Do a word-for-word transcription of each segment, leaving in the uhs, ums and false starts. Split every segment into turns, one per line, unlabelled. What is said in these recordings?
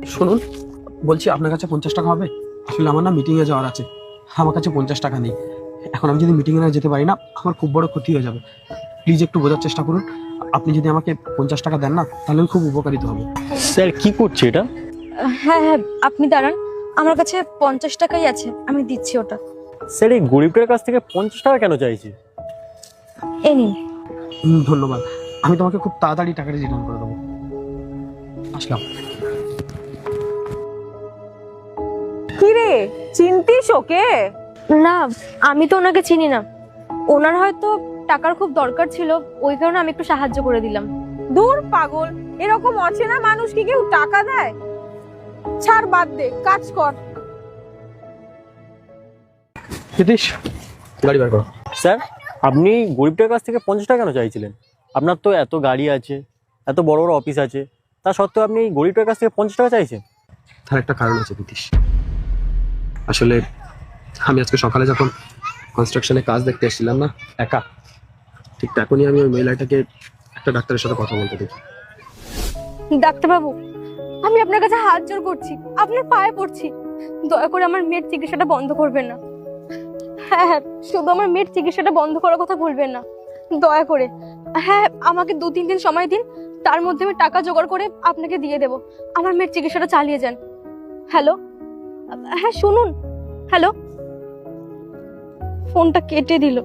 শুনুন, বলছি আপনার কাছে পঞ্চাশ টাকা হবে? আসলে আমার না মিটিংয়ে যাওয়ার আছে, আমার কাছে পঞ্চাশ টাকা নেই। এখন আমি যদি মিটিংয়ে না যেতে পারি না, আমার খুব বড় ক্ষতি হয়ে যাবে। প্লিজ একটু বোঝার চেষ্টা করুন। আপনি যদি আমাকে পঞ্চাশ টাকা দেন না, তাহলে আমি খুব উপকারিত হব।
স্যার কি করছে এটা?
হ্যাঁ হ্যাঁ, আপনি দাঁড়ান, আমার কাছে পঞ্চাশ টাকাই আছে, আমি দিচ্ছি ওটা।
স্যার এই গরিবটার কাছ থেকে পঞ্চাশ টাকা কেন চাইছে?
এই নিন।
হুম, ধন্যবাদ। আমি তোমাকে খুব তাড়াতাড়ি টাকাটা রিটার্ন করে দেবো। আসলাম।
কি রে, চিনতিস ওকে?
না, আমি তো ওনাকে চিনি না। ওনার হয়তো টাকার খুব দরকার ছিল, ওই কারণে আমি একটু সাহায্য করে দিলাম।
দূর পাগল, এরকম অচেনা মানুষ কি কেউ টাকা দেয়? ছাড়, বাদ দে, কাজ কর।
নীতিশ, গাড়ি বার করো।
স্যার আপনি গরিবটার কাছ থেকে পঞ্চাশ টাকা কেন চাইছিলেন? আপনার তো এত গাড়ি আছে, এত বড় বড় অফিস আছে, তা সত্ত্বেও আপনি এই গরিবটার কাছ থেকে পঞ্চাশ টাকা চাইছেন?
তার একটা কারণ আছে নীতিশ। আসলে আমি আজকে সকালে যখন কনস্ট্রাকশনে কাজ দেখতে এসেছিলাম না একা, ঠিক তখনই আমি ওই মহিলাটাকে একটা ডাক্তারের সাথে কথা বলতে দেখি।
ডাক্তারবাবু, আমি আপনার কাছে হাত জোড় করছি, আপনার পায়ে পড়ছি, দয়া করে আমার মেয়ের চিকিৎসাটা বন্ধ করবেন না। হ্যাঁ হ্যাঁ, শুধু আমার মেয়ের চিকিৎসাটা বন্ধ করার কথা বলবেন না, দয়া করে। হ্যাঁ, আমাকে দু তিন দিন সময় দিন, তার মধ্যে আমি টাকা জোগাড় করে আপনাকে দিয়ে দেব। আমার মেয়ের চিকিৎসাটা চালিয়ে যান। হ্যালো, হ্যাঁ শুনুন, হ্যালো। ফোনটা কেটে দিল।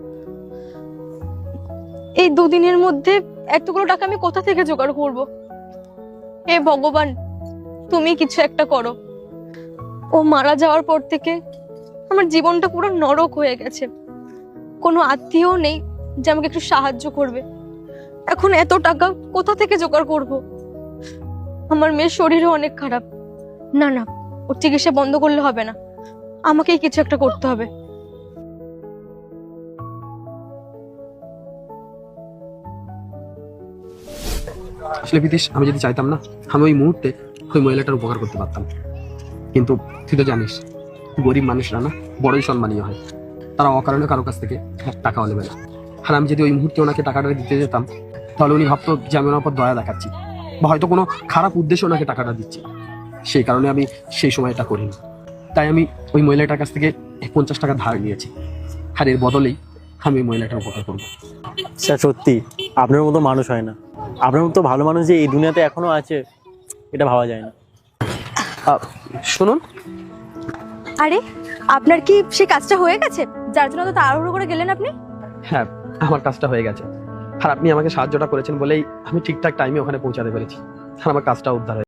এই দুদিনের মধ্যে এতগুলো টাকা আমি কোথা থেকে জোগাড় করব? হে ভগবান, তুমি কিছু একটা করো। ও মারা যাওয়ার পর থেকে আমার জীবনটা পুরো নরক হয়ে গেছে। কোনো আত্মীয় নেই যে আমাকে একটু সাহায্য করবে। এখন এত টাকা কোথা থেকে জোগাড় করব? আমার মেয়ের শরীরও অনেক খারাপ। না না, ওর চিকিৎসা বন্ধ করলে হবে না, আমাকেই কিছু একটা করতে হবে।
আসলে বিদেশ, আমি যদি চাইতাম না, আমি ওই মুহূর্তে ওই মহিলাটার উপকার করতে পারতাম। কিন্তু তুই তো জানিস, গরিব মানুষরা না বড়ই সম্মানীয় হয়। তারা অকারণে কারো কাছ থেকে এক টাকাও নেবে না। আর আমি যদি ওই মুহূর্তে ওনাকে টাকাটা দিতে যেতাম, তাহলে উনি ভাবতো যে আমি ওনার উপর দয়া দেখাচ্ছি, বা হয়তো কোনো খারাপ উদ্দেশ্যে ওনাকে টাকাটা দিচ্ছি। সেই কারণে আমি সেই সময় এটা করিনি। তাই আমি ওই মহিলাটার কাছ থেকে পঞ্চাশ টাকা ধার নিয়েছি, আর এর বদলেই আমি ওই মহিলাটার উপকার করবো।
স্যার সত্যি আপনার মতো মানুষ হয় না। আপনার মতো ভালো মানুষ যে এই দুনিয়াতে এখনো আছে, এটা ভাবা যায় না।
আহ, শুনুন,
আরে, আপনার কি সে কাজটা হয়ে গেছে যার জন্য তো তাড়াহুড়ো করে গেলেন আপনি?
হ্যাঁ, আমার কাজটা হয়ে গেছে। আর আপনি আমাকে সাহায্যটা করেছেন বলেই আমি ঠিকঠাক টাইমে ওখানে পৌঁছাতে পেরেছি, আর আমার কাজটা উদ্ধার হয়েছে।